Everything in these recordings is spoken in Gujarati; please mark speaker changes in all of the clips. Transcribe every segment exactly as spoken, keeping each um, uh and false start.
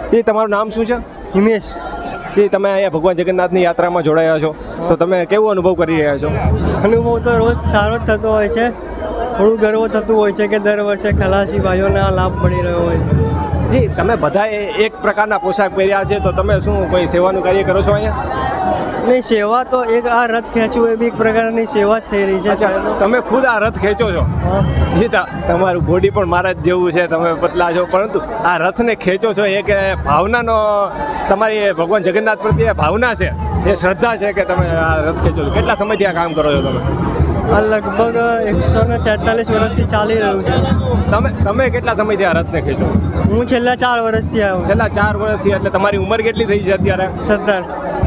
Speaker 1: એ તમારું નામ શું છે?
Speaker 2: હિમેશ.
Speaker 1: જે તમે અહીંયા ભગવાન જગન્નાથની યાત્રામાં જોડાયા છો તો તમે કેવો અનુભવ કરી રહ્યા છો?
Speaker 2: અનુભવ તો રોજ સારો જ થતો હોય છે. થોડું ગર્વ થતું હોય છે કે દર વર્ષે ખલાસી ભાઈઓને આ લાભ મળી રહ્યો હોય છે.
Speaker 1: જી, તમે બધાએ એક પ્રકારના પોશાક પહેર્યા છે તો તમે શું કોઈ સેવાનું કાર્ય કરો છો અહીંયા?
Speaker 2: નહીં, સેવા તો એક આ રથ ખેંચવું એ બી એક પ્રકારની સેવા જ થઈ રહી છે.
Speaker 1: અચ્છા, તમે ખુદ આ રથ ખેંચો છો?
Speaker 2: હા.
Speaker 1: જી, તા- તમારું બોડી પણ મારા જ જેવું છે, તમે પતલા છો, પરંતુ આ રથને ખેંચો છો એક ભાવનાનો, તમારી ભગવાન જગન્નાથ પ્રત્યે ભાવના છે, એ શ્રદ્ધા છે કે તમે આ રથ ખેંચો છો. કેટલા સમયથી આ કામ કરો છો તમે?
Speaker 2: આ લગભગ એકસો ને છેતાલીસ વર્ષથી ચાલી રહ્યું છે.
Speaker 1: તમે તમે કેટલા સમયથી આ રથને ખેંચો?
Speaker 2: હું છેલ્લા ચાર વર્ષથી આવ્યો છું.
Speaker 1: છેલ્લા ચાર વર્ષથી. એટલે તમારી ઉંમર કેટલી થઈ છે અત્યારે?
Speaker 2: સત્તર.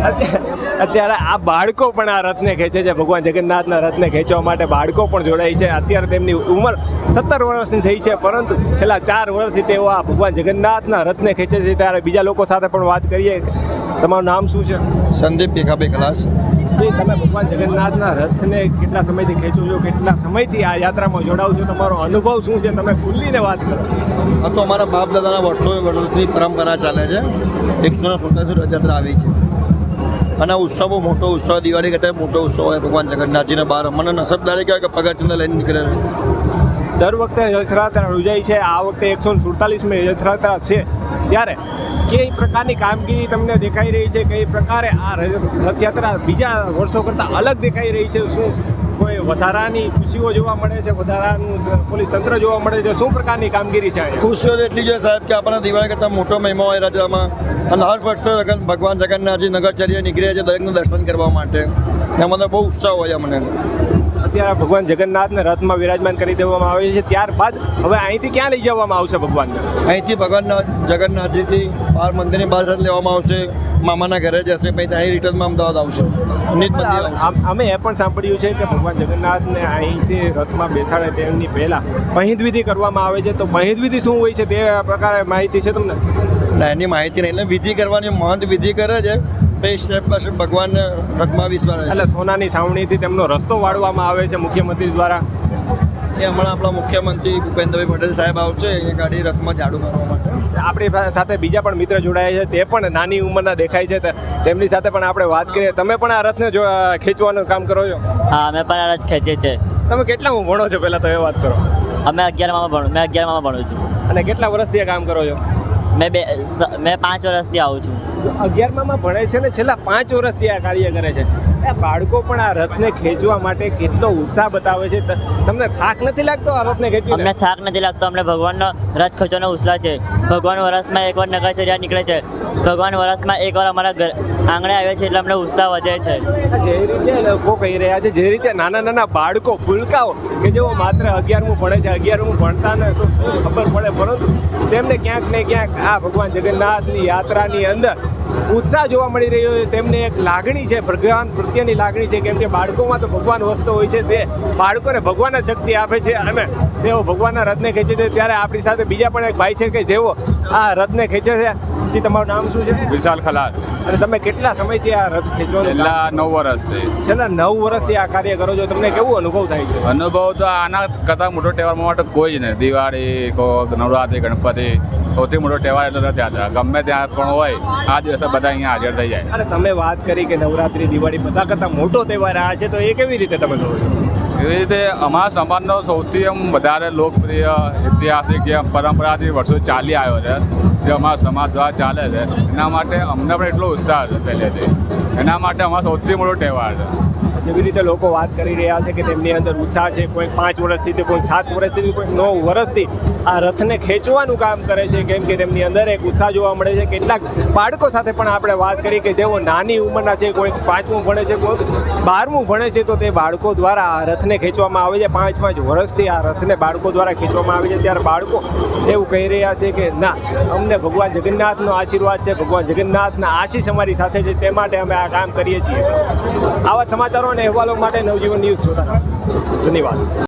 Speaker 1: અત્યારે આ બાળકો પણ આ રથને ખેંચે છે. ભગવાન જગન્નાથના રથને ખેંચવા માટે બાળકો પણ જોડાય છે. અત્યારે તેમની ઉંમર સત્તર વર્ષની થઈ છે, પરંતુ છેલ્લા ચાર વર્ષથી તેઓ આ ભગવાન જગન્નાથના રથને ખેંચે છે. ત્યારે બીજા લોકો સાથે પણ વાત કરીએ. તમારું નામ શું છે?
Speaker 3: સંદીપ ભીખાભાઈ ખલાસ.
Speaker 1: એ તમે ભગવાન જગન્નાથના રથને કેટલા સમયથી ખેંચો છો? કેટલા સમયથી આ યાત્રામાં જોડાવ છો? તમારો અનુભવ શું છે? તમે ખુલ્લીને વાત કરો.
Speaker 3: આ તો અમારા બાપ દાદાના વર્ષો વર્ષની પરંપરા ચાલે છે. એકસો ને સુડતાલીસ રથયાત્રા આવી છે અને ઉત્સવ બહુ મોટો ઉત્સવ, દિવાળી કરતાં મોટો ઉત્સવ હોય ભગવાન જગન્નાથજીને બહાર. મને નસબદારી કહેવાય કે પગથિયે લઈને નીકળે છે.
Speaker 1: દર વખતે રથયાત્રા યોજાય છે. આ વખતે એકસો ને સુડતાલીસમી રથયાત્રા છે, ત્યારે કઈ પ્રકારની કામગીરી તમને દેખાઈ રહી છે? કઈ પ્રકારે આ રથયાત્રા બીજા વર્ષો કરતાં અલગ દેખાઈ રહી છે? શું કોઈ વધારાની ખુશીઓ જોવા મળે છે? વધારાનું પોલીસ તંત્ર જોવા મળે છે? શું પ્રકારની કામગીરી છે?
Speaker 3: ખુશીઓ તો એટલી જોઈએ સાહેબ કે આપણને દિવાળી કરતાં મોટો મહિમા હોય રથમાં. અને હર વર્ષે ભગવાન જગન્નાથજી નગરચર્યા નીકળે છે દરેકનું દર્શન કરવા માટે. એમાં તો બહુ ઉત્સાહ હોય અમને.
Speaker 1: અત્યારે ભગવાન જગન્નાથને રથમાં વિરાજમાન કરી દેવામાં આવે છે. ત્યારબાદ હવે અહીંથી ક્યાં લઈ જવામાં આવશે ભગવાનને?
Speaker 3: અહીંથી ભગવાન જગન્નાથજીથી બહાર મંદિરની બહાર રથ લેવામાં આવશે, મામાના ઘરે જશે, પછી ત્યાં રિટર્નમાં અમદાવાદ આવશે. નિત મંદિર આવશે.
Speaker 1: આમ- અમે એ પણ સાંભળ્યું છે કે ભગવાન જગન્નાથને અહીંથી રથમાં બેસાડે તેમની પહેલાં પહિંદ વિધિ કરવામાં આવે છે. તો પહિંદ વિધિ શું હોય છે તે પ્રકારે માહિતી છે તમને?
Speaker 3: ના, એની માહિતી નહીં. એટલે વિધિ કરવાની, મહંત વિધિ કરે છે, પછી સ્ટેપ બાય સ્ટેપ ભગવાનને રથમાં વિશ્વાસ છે.
Speaker 1: એટલે સોનાની સાવણીથી તેમનો રસ્તો વાળવામાં આવે છે મુખ્યમંત્રી દ્વારા.
Speaker 3: એ હમણાં આપણા મુખ્યમંત્રી ભૂપેન્દ્રભાઈ પટેલ સાહેબ આવશે એ ગાડી રથમાં ઝાડુ મારવા માટે.
Speaker 1: આપણી સાથે બીજા પણ મિત્ર જોડાયા છે, તે પણ નાની ઉંમરના દેખાય છે. તે- તેમની સાથે પણ આપણે વાત કરીએ. તમે પણ આ રથને જો ખેંચવાનું કામ કરો છો?
Speaker 4: હા, અમે પણ આ રથ ખેંચીએ છીએ.
Speaker 1: તમે કેટલામાં ભણો છો પહેલાં તો એ વાત કરો.
Speaker 4: અમે અગિયારમાં ભણું મેં અગિયારમાં ભણું છું.
Speaker 1: અને કેટલા વર્ષથી આ કામ કરો છો?
Speaker 4: મેં બે સ- મેં પાંચ વર્ષથી આવું છું.
Speaker 1: અગિયારમાં ભણે છે ને છેલ્લા પાંચ વર્ષથી આ કાર્ય કરે છે. એ બાળકો પણ આ રથને ખેંચવા માટે કેટલો ઉત્સાહ બતાવે છે. ત- તમને થાક નથી લાગતો આ રથને ખેંચીને?
Speaker 4: અમને થાક નથી લાગતો. અમને ભગવાનનો રથ ખેંચવાનો ઉત્સાહ છે. ભગવાન વરસમાં એકવાર નગરચર્યા નીકળે છે. ભગવાન વરસમાં એકવાર અમારા ઘર આંગણે આવે છે, એટલે અમને ઉત્સાહ વધે છે.
Speaker 1: જે રીતે લોકો કહી રહ્યા છે, જે રીતે નાના નાના બાળકો, ભૂલકાઓ કે જેઓ માત્ર અગિયારમું ભણે છે, અગિયારમું ભણતા ને તો શું ખબર પડે, પરંતુ તેમને ક્યાંક ને ક્યાંક આ ભગવાન જગન્નાથની યાત્રાની અંદર ઉત્સાહ જોવા મળી રહ્યો છે. તેમને એક લાગણી છે, ભગવાન પ્રત્યેની લાગણી છે, કેમ કે બાળકોમાં તો ભગવાન વસતો હોય છે. તે બાળકોને ભગવાન જ શક્તિ આપે છે અને તેઓ ભગવાનના રથને ખેંચે છે. ત્યારે આપણી સાથે બીજા પણ એક ભાઈ છે કે જેઓ આ રથને ખેંચે છે. જી, તમારું નામ શું છે?
Speaker 5: વિશાલ ખલાસ.
Speaker 1: અને તમે કેટલા સમયથી આ રથ ખેંચવાનું કામ-
Speaker 5: છેલ્લા નવ વર્ષથી.
Speaker 1: છેલ્લા નવ વર્ષથી આ કાર્ય કરો છો. તમને કેવો અનુભવ થાય છે?
Speaker 5: અનુભવ તો આના કરતાં મોટો તહેવાર માટે કોઈ જ નહીં. દિવાળી કો નવરાત્રિ, ગણપતિ, સૌથી મોટો તહેવાર એટલે રથયાત્રા. ગમે ત્યાં પણ હોય આ દિવસે બધા અહીંયા હાજર થઈ જાય.
Speaker 1: અને તમે વાત કરી કે નવરાત્રી, દિવાળી બધા કરતાં મોટો તહેવાર આ છે, તો એ કેવી રીતે તમે કરો છો?
Speaker 5: એવી રીતે અમારા સમાજનો સૌથી એમ વધારે લોકપ્રિય ઐતિહાસિક એમ પરંપરાથી વર્ષો ચાલી આવ્યો છે, જે અમારા સમાજ દ્વારા ચાલે છે. એના માટે અમને પણ એટલો ઉત્સાહ છે પહેલેથી. એના માટે અમારો સૌથી મોટો તહેવાર છે.
Speaker 1: જેવી રીતે લોકો વાત કરી રહ્યા છે કે તેમની અંદર ઉત્સાહ છે, કોઈ પાંચ વર્ષથી તો કોઈ સાત વર્ષથી કોઈ નવ વર્ષથી આ રથને ખેંચવાનું કામ કરે છે, કેમ કે તેમની અંદર એક ઉત્સાહ જોવા મળે છે. કેટલાક બાળકો સાથે પણ આપણે વાત કરી કે જેઓ નાની ઉંમરના છે, કોઈ પાંચમું ભણે છે, કોઈ બારમું ભણે છે, તો તે બાળકો દ્વારા આ રથને ખેંચવામાં આવે છે. પાંચ પાંચ વર્ષથી આ રથને બાળકો દ્વારા ખેંચવામાં આવે છે. ત્યારે બાળકો એવું કહી રહ્યા છે કે ના, અમને ભગવાન જગન્નાથનો આશીર્વાદ છે, ભગવાન જગન્નાથના આશીષ અમારી સાથે છે, તે માટે અમે આ કામ કરીએ છીએ. આવા સમાચારો અને અહેવાલો માટે નવજીવન ન્યૂઝ જોતા રહો. ધન્યવાદ.